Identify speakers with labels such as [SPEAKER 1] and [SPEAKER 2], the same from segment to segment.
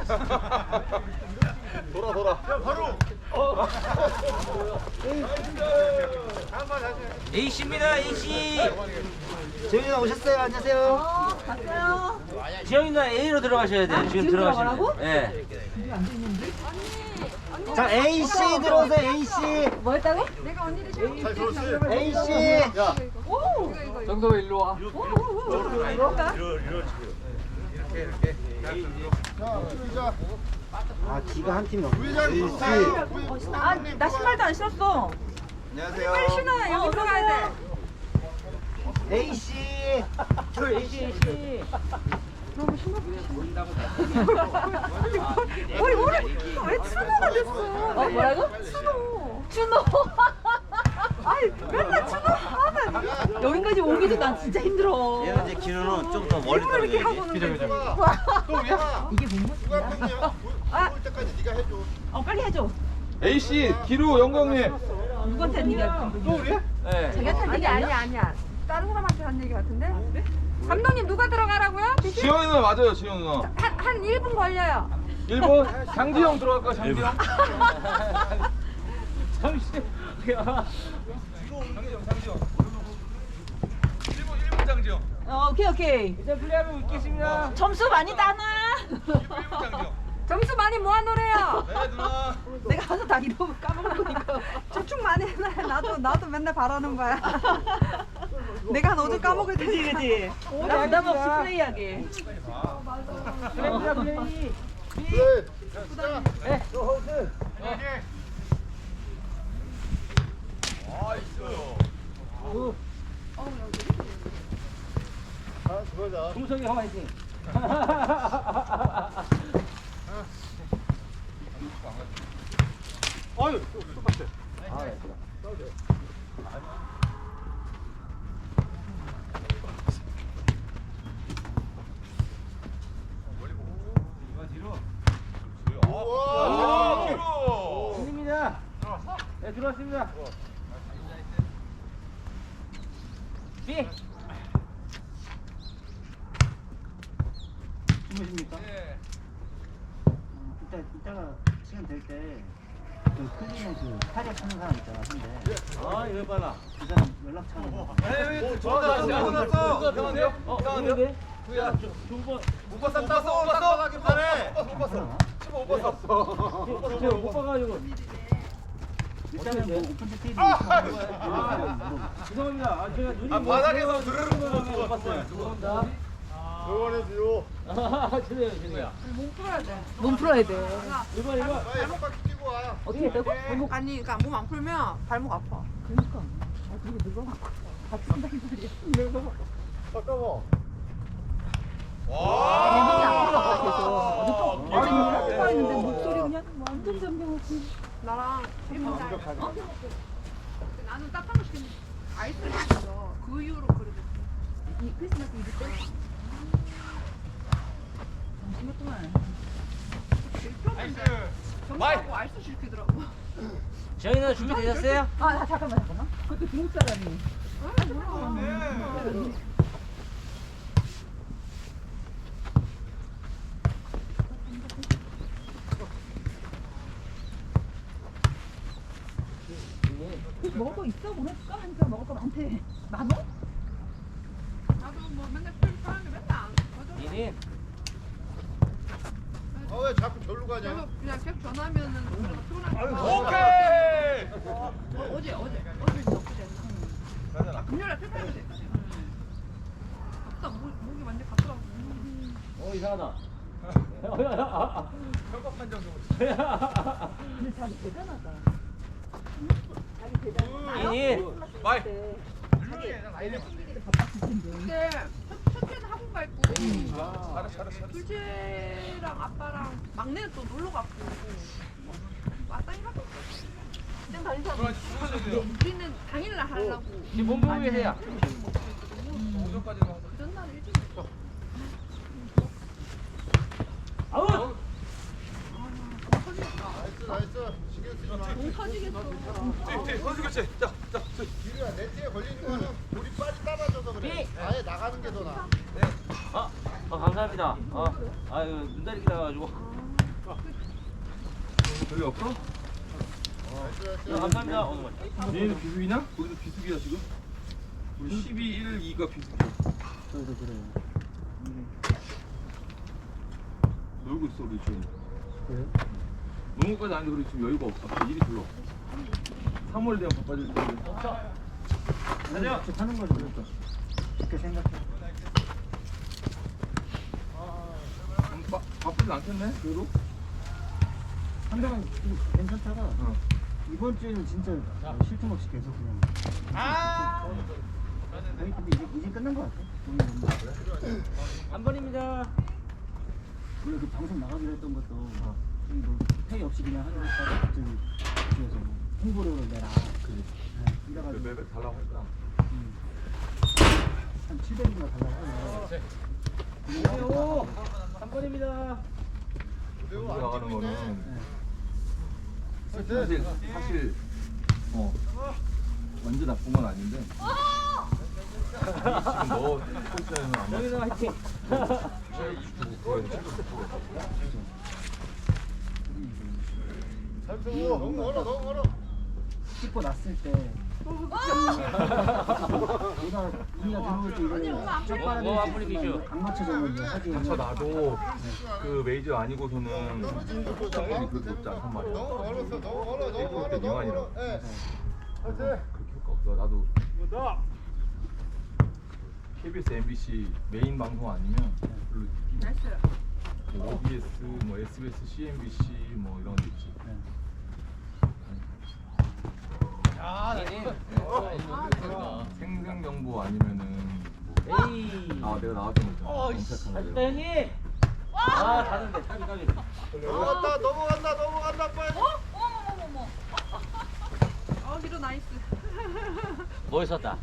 [SPEAKER 1] 돌아. 야, 바로.
[SPEAKER 2] A씨입니다, A씨.
[SPEAKER 3] 재훈이 누나 오셨어요? 안녕하세요.
[SPEAKER 4] 갔어요.
[SPEAKER 2] 지영이 누나 A로 들어가셔야 돼요. 지금 들어가시면 돼요. 네.
[SPEAKER 3] 자, A 씨 들어오세요. A 씨.
[SPEAKER 4] 뭐 했다고?
[SPEAKER 1] 잘 들었지?
[SPEAKER 3] A 씨.
[SPEAKER 1] 야,
[SPEAKER 4] 오!
[SPEAKER 1] 정도 일로 와. 이렇게. 자, 우리자.
[SPEAKER 3] 아, 기가 한 팀이 없네.
[SPEAKER 1] 우리자.
[SPEAKER 3] A 씨.
[SPEAKER 4] 아, 나 신발도 안 신었어.
[SPEAKER 1] 안녕하세요.
[SPEAKER 4] 빨리 신어. 여기 들어가야 돼.
[SPEAKER 3] A 씨.
[SPEAKER 2] 저 A씨, A씨.
[SPEAKER 4] 우리 왜 추노가 됐어? 뭐라고? 추노. 아이, 맨날 추노 하면 여기까지 오기도 난 진짜 힘들어.
[SPEAKER 2] 얘는 이제 기능은 좀 더 멀리
[SPEAKER 4] 일부러 이렇게 하고
[SPEAKER 2] 떨어져야지.
[SPEAKER 4] 오는 거지.
[SPEAKER 1] 또 우리야.
[SPEAKER 4] 이게 뭔
[SPEAKER 1] 누가
[SPEAKER 4] 맛이야?
[SPEAKER 1] 팬이야? 올 때까지 네가 해줘.
[SPEAKER 4] 빨리 해줘.
[SPEAKER 5] A씨, 기루 영광님.
[SPEAKER 4] 누구한테 한 얘기야?
[SPEAKER 1] 또 우리야?
[SPEAKER 2] 네.
[SPEAKER 4] 자기한테 한 얘기 아니야?
[SPEAKER 6] 아니야. 다른 사람한테 한 얘기 같은데? 감독님 누가 들어가라고요?
[SPEAKER 5] 지영이 누나 맞아요, 지영 누나.
[SPEAKER 6] 한 1분 걸려요.
[SPEAKER 5] 1번 장지영 들어갈까, 장지영?
[SPEAKER 2] 잠시.
[SPEAKER 5] 1번 장지영.
[SPEAKER 4] 오케이.
[SPEAKER 2] 이제 플레이하면 있겠습니다.
[SPEAKER 4] 점수 많이 따나?
[SPEAKER 5] 1번 장지영.
[SPEAKER 6] 점수 많이 모아놓으래요.
[SPEAKER 5] 네, 누나.
[SPEAKER 4] 내가 항상 다 이러고 까먹을 거니까.
[SPEAKER 6] 저축 많이 해놔요. 나도 맨날 바라는 거야. 내가 한 5점 까먹을 테니까.
[SPEAKER 4] 그치. 나 부담 없이 플레이하게.
[SPEAKER 2] 플레이입니다, 플레이.
[SPEAKER 1] 그래. 자,
[SPEAKER 2] 네.
[SPEAKER 1] 너 호스. 아, 그거자.
[SPEAKER 2] 동석이 형 화이팅.
[SPEAKER 1] 아유, 똑같아. 와, 뒤로.
[SPEAKER 2] 입니다. 네, 들어왔습니다. B.
[SPEAKER 3] 주무십니까?
[SPEAKER 5] 네.
[SPEAKER 3] 이따가 시간 될 때 그 클리너 그 타력 하는 사람 있잖아, 근데
[SPEAKER 2] 아, 이거 빨라.
[SPEAKER 3] 그 사람 연락처는
[SPEAKER 5] 에이, 좋았어.
[SPEAKER 2] 누군데? 야, 중번.
[SPEAKER 5] 못 봤어. 못 봤어. 기판에. 못 봤어. 15못 봤어.
[SPEAKER 2] 제가 못 봐가지고.
[SPEAKER 3] 일단은 뭐 오픈 스테이지
[SPEAKER 2] 죄송합니다. 아, 제가 눈이
[SPEAKER 5] 아,
[SPEAKER 2] 뭐
[SPEAKER 5] 바닥에서
[SPEAKER 2] 들어가는
[SPEAKER 5] 드르륵
[SPEAKER 2] 거
[SPEAKER 5] 못
[SPEAKER 2] 봤어요.
[SPEAKER 5] 봤어요.
[SPEAKER 2] 죄송합니다.
[SPEAKER 1] 응원해줘요.
[SPEAKER 2] 아, 죄송해요.
[SPEAKER 6] 몸 풀어야 돼.
[SPEAKER 4] 몸 풀어야 돼.
[SPEAKER 2] 이거.
[SPEAKER 1] 발목까지 뛰고 와.
[SPEAKER 4] 어떻게 했다고? 발목.
[SPEAKER 6] 아니, 그러니까 몸 안 풀면 발목 아파.
[SPEAKER 4] 그러니까. 그리고 누가 다친다는 말이야.
[SPEAKER 1] 잠깐만.
[SPEAKER 4] 몸이 안 풀었다 계속.
[SPEAKER 1] 와.
[SPEAKER 4] 아니 하고 있는데 목소리 그냥 완전 잠겨갖고.
[SPEAKER 6] 나랑 나는 따뜻한 거 시켰는데 아이스를 시켰어. 그 이후로 그러고.
[SPEAKER 4] 이 크리스마스 이브 때. 잠시만 동안.
[SPEAKER 6] 정하고 아이스 시키더라고.
[SPEAKER 2] 지영이 누나 준비되셨어요?
[SPEAKER 4] 아 잠깐만. 그것도 중국 사람이. 먹을 거 있어? 보내줄까? 하니까 먹을 거 많대. 많어?
[SPEAKER 6] 나도 뭐 맨날 풀 사람이 맨날 안 맞아.
[SPEAKER 2] 이린.
[SPEAKER 1] 아, 왜 자꾸 절로 가냐?
[SPEAKER 6] 그래서 그냥 계속 전화하면은 그래도 피곤하니까.
[SPEAKER 5] 오케이.
[SPEAKER 6] 어제 엊그제 했나? 금요일에 필파이브 됐다. 아프다 목이 완전 갔더라고.
[SPEAKER 2] 이상하다.
[SPEAKER 5] 협박 판정 좀.
[SPEAKER 4] 근데 자기 대단하다. 자기 대단하다.
[SPEAKER 2] 이린.
[SPEAKER 5] 마이.
[SPEAKER 6] 근데 첫째는 학원 가 있고
[SPEAKER 5] 잘했어.
[SPEAKER 6] 둘째랑 아빠랑 막내는 또 놀러 갔고 마땅히 하고 그냥 다닌 사람 우리는 당일날 하려고
[SPEAKER 2] 지금 몸 보고 계세요.
[SPEAKER 5] 오전까지는 하자.
[SPEAKER 6] 그 전날 일찍
[SPEAKER 2] 아우.
[SPEAKER 1] 나이스. 신경 쓰지 마.
[SPEAKER 6] 공 터지겠어.
[SPEAKER 5] 선수 교체. 자.
[SPEAKER 1] 뒤로야, 네트에 걸리는 거는 우리 빨리 따라줘서 그래. 아예 나가는 게 더 나아.
[SPEAKER 2] 감사합니다. 아유, 눈다리 기다려가지고.
[SPEAKER 5] 저기 없어?
[SPEAKER 2] 감사합니다. 오늘
[SPEAKER 5] 얘는 비수기냐? 우리도 비수기야 지금? 우리 12, 1, 2가 비수기야.
[SPEAKER 3] 저도 그래요.
[SPEAKER 5] 놀고 있어 우리 지금.
[SPEAKER 3] 그래요?
[SPEAKER 5] 농구까지 아닌데 우리 지금 여유가 없어. 일이 별로 없어. 3월 되면 바빠질 텐데.
[SPEAKER 3] 가자. 하는 거죠. 그렇게 생각해.
[SPEAKER 5] 바쁘지 않겠네? 그래도?
[SPEAKER 3] 한동안 좀 괜찮다가 이번 주에는 진짜 쉴 틈 없이 계속 그냥. 거의 근데 이제 끝난 것 같아.
[SPEAKER 2] 한 번입니다.
[SPEAKER 3] 원래 그 방송 나가기로 했던 것도 뭐 회의 없이 그냥 하기로 했다가 갑자기 그래서 홍보를 내라.
[SPEAKER 5] 그래.
[SPEAKER 3] 이래가지고
[SPEAKER 5] 매달 달라고 할까?
[SPEAKER 3] 한 700인가 달라고 하네.
[SPEAKER 2] 오, 한 번입니다.
[SPEAKER 5] 우리 나가는 거는
[SPEAKER 3] 네.
[SPEAKER 5] 사실 완전 나쁜 건 아닌데 지금 너 포지션에는 안 맞아.
[SPEAKER 2] 여기서 화이팅.
[SPEAKER 1] 너무 멀어 너무 멀어.
[SPEAKER 3] 씻고 났을 때 우리가 들어올 때 이거
[SPEAKER 2] 뭐 아무리 비쇼.
[SPEAKER 3] 안 맞춰서 이제 하기
[SPEAKER 5] 저 나도 그 메이저 아니고서는 시청률이 그렇게 높지 않단 말이야.
[SPEAKER 1] 너무 멀었어 너무 멀어 너무
[SPEAKER 5] 일곱
[SPEAKER 1] 멀어
[SPEAKER 5] 대
[SPEAKER 1] 너무
[SPEAKER 5] 미만이라.
[SPEAKER 1] 멀어. 예.
[SPEAKER 5] 그렇게 효과 없어. 나도 KBS, MBC 메인 방송 아니면 별로 뭐 OBS, 뭐 SBS, CNBC 뭐 이런 데 있지. 생생정보 아니면은
[SPEAKER 2] 에이.
[SPEAKER 5] 내가 나왔던 거 있잖아. 검색하는
[SPEAKER 2] 아쉽다
[SPEAKER 5] 거.
[SPEAKER 2] 형님. 아, 다른데. 까비.
[SPEAKER 1] 넘어간다 넘어간다 넘어간다 빨리.
[SPEAKER 6] 어머머머머. 기로 나이스.
[SPEAKER 2] 멋있었다.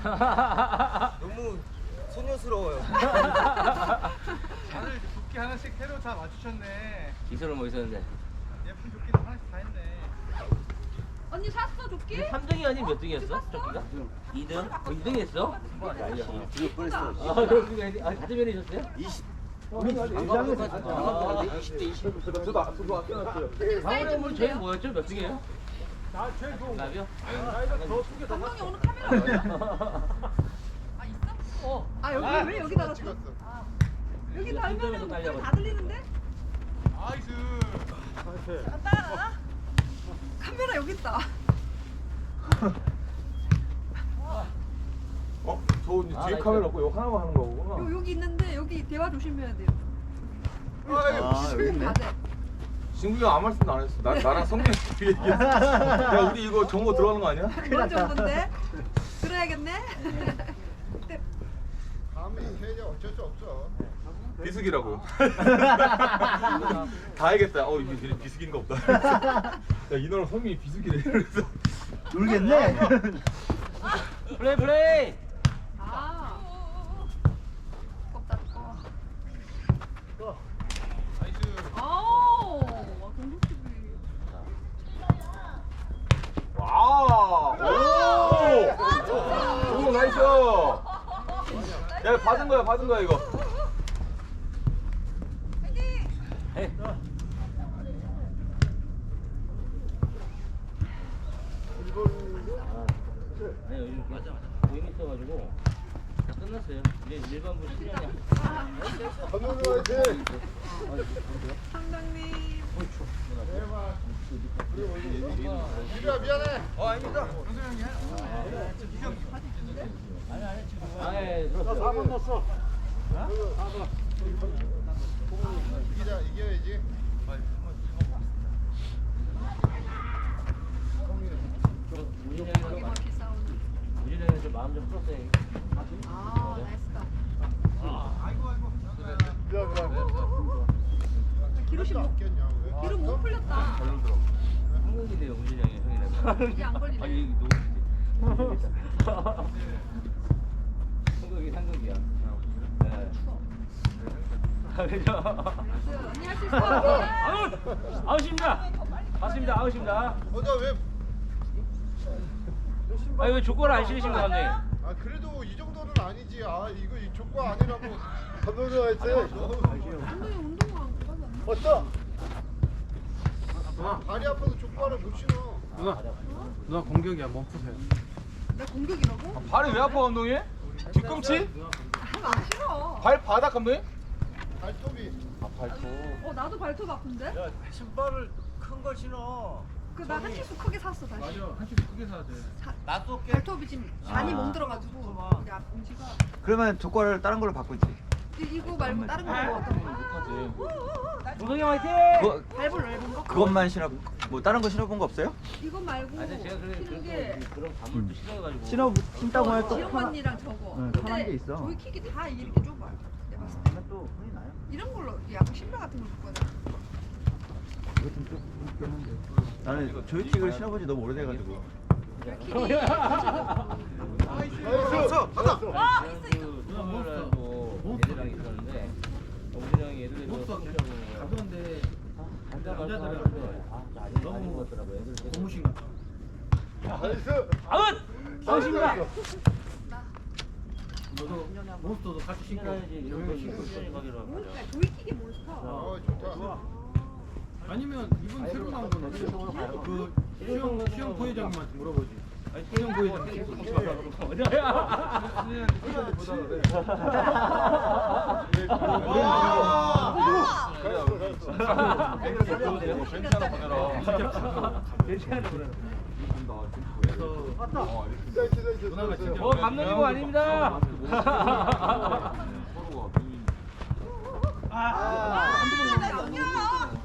[SPEAKER 7] 너무 소녀스러워요.
[SPEAKER 1] 다들 조끼 하나씩 새로 다 맞추셨네.
[SPEAKER 2] 기술은 멋있었는데.
[SPEAKER 1] 예쁜 조끼도 하나씩 다 했네.
[SPEAKER 6] 언니 샀어 조끼?
[SPEAKER 2] 3등이 아니면 몇 등이었어? 조끼가? 2등? 2등 했어?
[SPEAKER 7] 이거 뻔했어.
[SPEAKER 2] 같은 면이셨어요?
[SPEAKER 7] 20.
[SPEAKER 2] 안 가고 20대 20.
[SPEAKER 5] 저도 아껴놨어요.
[SPEAKER 2] 방울이 오늘 제일 뭐였죠? 몇 등이에요? 나 제일 좋은 거. 나비요?
[SPEAKER 6] 감독이 오늘 카메라 아 있어? 여기 왜 여기 달았어?
[SPEAKER 1] 찍었어.
[SPEAKER 6] 여기 달면은
[SPEAKER 2] 또
[SPEAKER 6] 목소리
[SPEAKER 2] 달려가지고.
[SPEAKER 6] 다 들리는데?
[SPEAKER 1] 나이스.
[SPEAKER 6] 아빠 카메라 여기 있다.
[SPEAKER 5] 저 이제 뒤에 카메라 없고 이거 하나만 하는 거구나.
[SPEAKER 6] 여기 있는데 여기 대화 조심해야 돼요.
[SPEAKER 7] 여기 있네.
[SPEAKER 6] 다 돼.
[SPEAKER 5] 진국이가 아무 말씀도 안 했어. 나랑 성민 씨 얘기했어. 야 우리 이거 정보 들어가는 거 아니야?
[SPEAKER 6] 그런 정도인데 들어야겠네.
[SPEAKER 1] 감히 해야 어쩔 수 없어.
[SPEAKER 5] 비수기라고. 다 알겠다. 이게 비수기인가 보다. 야 이너랑 성민이 비수기래. 그래서
[SPEAKER 3] 놀겠네.
[SPEAKER 2] 플레이.
[SPEAKER 6] 아. 겁다 거.
[SPEAKER 1] 나이스.
[SPEAKER 6] 아우. 공격수비.
[SPEAKER 5] 와. 오 나이스. 야 받은 거야 이거.
[SPEAKER 2] 에이. 아니 요즘 모임 있어가지고 다 끝났어요. 이제 일반부 실현이
[SPEAKER 1] 감독님 화이팅.
[SPEAKER 6] 상장님.
[SPEAKER 1] 미리야 미안해.
[SPEAKER 7] 아닙니다.
[SPEAKER 2] 아예 들었어. 4번 넣었어.
[SPEAKER 1] 이겨야지.
[SPEAKER 6] 여기 바퀴 싸우는.
[SPEAKER 2] 우진이는 좀 마음 좀 풀었어요.
[SPEAKER 6] 아 나이스다. 기록이 못 기록 못 풀렸다.
[SPEAKER 2] 한국이 돼요 우진이 형이 형이라고.
[SPEAKER 6] 이게 안 걸리네.
[SPEAKER 2] 아니 이게 너무 한국이야. 네. 그죠?
[SPEAKER 6] 언니 할 수 있어.
[SPEAKER 2] 아웃입니다. 맞습니다. 아웃입니다.
[SPEAKER 1] 왜?
[SPEAKER 2] 아니 왜 조건을 안 실으신 거 감독님?
[SPEAKER 1] 그래도 이 정도는 아니지. 이거 이 조건 아니라고. 감독님 화이팅.
[SPEAKER 6] 감독이 운동화 안 가져왔나?
[SPEAKER 1] 왔다. 다리 아파서 족발을 못 신어.
[SPEAKER 8] 누나 공격이야 멈추세요.
[SPEAKER 6] 내 공격이라고?
[SPEAKER 5] 발이 왜 아파 감독님? 뒤꿈치?
[SPEAKER 6] 안 싫어.
[SPEAKER 5] 발바닥 감독님?
[SPEAKER 1] 발톱이.
[SPEAKER 6] 나도 발톱 아픈데?
[SPEAKER 7] 신발을 큰 걸 신어.
[SPEAKER 6] 나 한 치수 크게 샀어 다시.
[SPEAKER 8] 한 줄 크게 사야 돼.
[SPEAKER 7] 나도
[SPEAKER 6] 발톱이 지금 많이 멍들어가지고 이게 앞꿈치가.
[SPEAKER 7] 그러면 조과를 다른 걸로 바꾸지.
[SPEAKER 6] 이거 말고 다른 걸로 어떤 거?
[SPEAKER 2] 동성이 형 화이팅!
[SPEAKER 6] 밟을 넓은 거?
[SPEAKER 7] 그것만 신어. 뭐 다른 거 신어본 거 없어요?
[SPEAKER 6] 이거 말고
[SPEAKER 2] 아니 제가
[SPEAKER 6] 신은 게
[SPEAKER 2] 그런 가물도 싫어가지고
[SPEAKER 7] 신다고 하면 또
[SPEAKER 6] 지영 언니랑 저거.
[SPEAKER 7] 응, 편한 게 있어.
[SPEAKER 6] 조이킥이 다 이렇게 좁아. 내가 봤을 때.
[SPEAKER 7] 또 흔히 나요.
[SPEAKER 6] 이런 걸로 약간 신발 같은 걸 입거든.
[SPEAKER 7] 이것도 좀 웃겼는데. 나는 조이킥을 신어본 지 너무 오래돼가지고.
[SPEAKER 6] 조이킥이.
[SPEAKER 1] 나이스. 하나.
[SPEAKER 2] 누나하고 애들이랑 있었는데 우진이 형이 애들이
[SPEAKER 8] 가던데
[SPEAKER 2] 남자들은 너무 아닌 것 같더라고요. 애들
[SPEAKER 8] 고무신 같아.
[SPEAKER 1] 나이스.
[SPEAKER 2] 아웃! 아웃입니다.
[SPEAKER 8] 너도 몬스터도 같이 신고
[SPEAKER 2] 신어야지 이런 거 신고 수련이 가기로 한 거죠.
[SPEAKER 6] 몬스터, 조이킥이 몬스터.
[SPEAKER 1] 좋다.
[SPEAKER 8] 아니면 이번 새로 나온 거는 그 수영 부회장님한테 물어보지. 수영 부회장님.
[SPEAKER 2] 감독님 거 아닙니다.
[SPEAKER 6] 아,